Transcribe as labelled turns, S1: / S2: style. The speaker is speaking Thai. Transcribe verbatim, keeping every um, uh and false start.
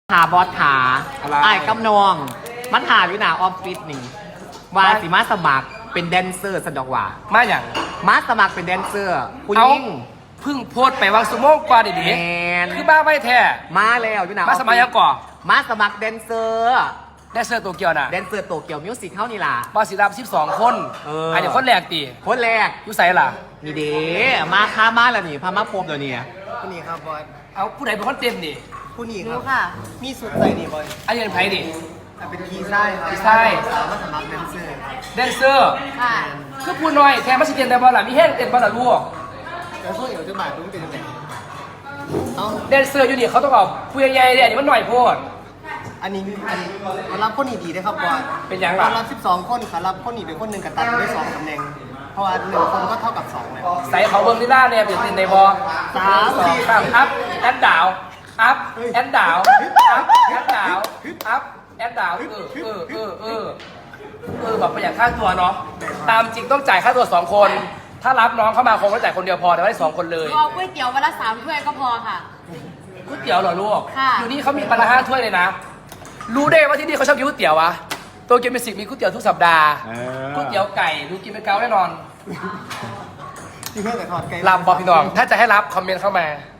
S1: หาบอสขา
S2: อะไร
S1: ไอ้กำนองมันหาอยู่หนาออฟฟิศนี่ว่าสิมาสมัครเป็นแดนเซอร์สันดอกว่า
S2: มาอย่าง
S1: มาสมัครเป็นแดนเซอร์คุณ
S2: เอา
S1: ยิ่ง
S2: เพึ่งโพสต์ไปวางสมองกว่าดิ
S1: แม
S2: ดิ
S1: น
S2: คือบ้าไม่แท้
S1: มาแล้วอยู่หนา
S2: มาสมัยยังก่อ
S1: มาสมัครแดนเซอร์
S2: ได้เสื้อตัวเกียวน่ะ
S1: แดนเซอร์โตเกียวมิวสิกเข้านี่ล่ะ
S2: บอสิรับสิบสองคน
S1: เอออั
S2: อันนี้คนแรกตี
S1: คนแรก
S2: อยู่ใส่ล่ะ
S1: นี่เด้มาค้ามาแล้วนี่พามาพบเดี๋ยวนี้
S3: ผู้นี้ครับบอย
S2: เอาผู้ใดเป็นคนเต็มดิ
S3: ผู้นี้ค
S4: รู้
S3: รับ
S4: ค่ะ
S3: มีสุดใส่ดีบอย
S2: อันนี้เป็นไผ่ดิ
S3: อ่ะเป็นกีไส้ครับ
S2: กีไส้
S3: สาวมาสมัครแดนเซอร์
S2: แดนเซอร์
S4: ค่ะ
S2: คือผู้น้อยแทนมาสิเตียนแต่บอลล่ะมีแห้งเต็มบอลล่ะลูก
S3: แล้วพวกเอ๋วจะบาดรู้เป็นยังไงเอา
S2: แดนเซอร์อยู่นี่เขาต้องเอาผู้ใหญ่ๆเนี่ยอันนี้มันหน่อยโพด
S3: อันนี้อันนี้มารับคนนี้ดีได้ครับบอย
S2: เป็นยังล่ะ
S3: มารับสิบสองคนขารับคนนี้เป็นคนหนึ่งกับตัดได้สองตำแหน่งเพราะว่าหนึ่งคนก็เท่ากับสองเลย
S2: ใส่เขาเบิ้งที่หน้าเนี่ยเป็นตินในบอล
S3: สามสี่
S2: สามอัพแอนดาวอัพแอนดาวอัพแอนดาวอัพแอนดาวเออเออเออเออเออแบบประหยัดค่าตัวเนาะตามจริงต้องจ่ายค่าตัวสองคน ถ้ารับน้องเข้ามาคงต้องจ่ายคนเดียวพอแต่ไม่ได้สองคนเลย
S4: รอก๋วยเตี๋ยววันละสามถ้วยก็พอค่ะ
S2: ก๋วยเตี๋ยวเหรอลูก
S4: ค่ะ
S2: อยู่นี่เขามีปลาห้าถ้วยเลยนะ รู้ได้ว่าที่นี่เขาชอบกินก๋วยเตี๋ยววะตัวเกมเมสิกมีก๋วยเตี๋ยวทุกสัปดาห์ก๋วยเตี๋ยวไก่ดูกินเป็นเกาแน่นอน
S3: ที่เพื่อนแต่ถอดไกล
S2: ลำบอพี่น้อง ถ้าจะให้รับคอมเมนต์เข้ามา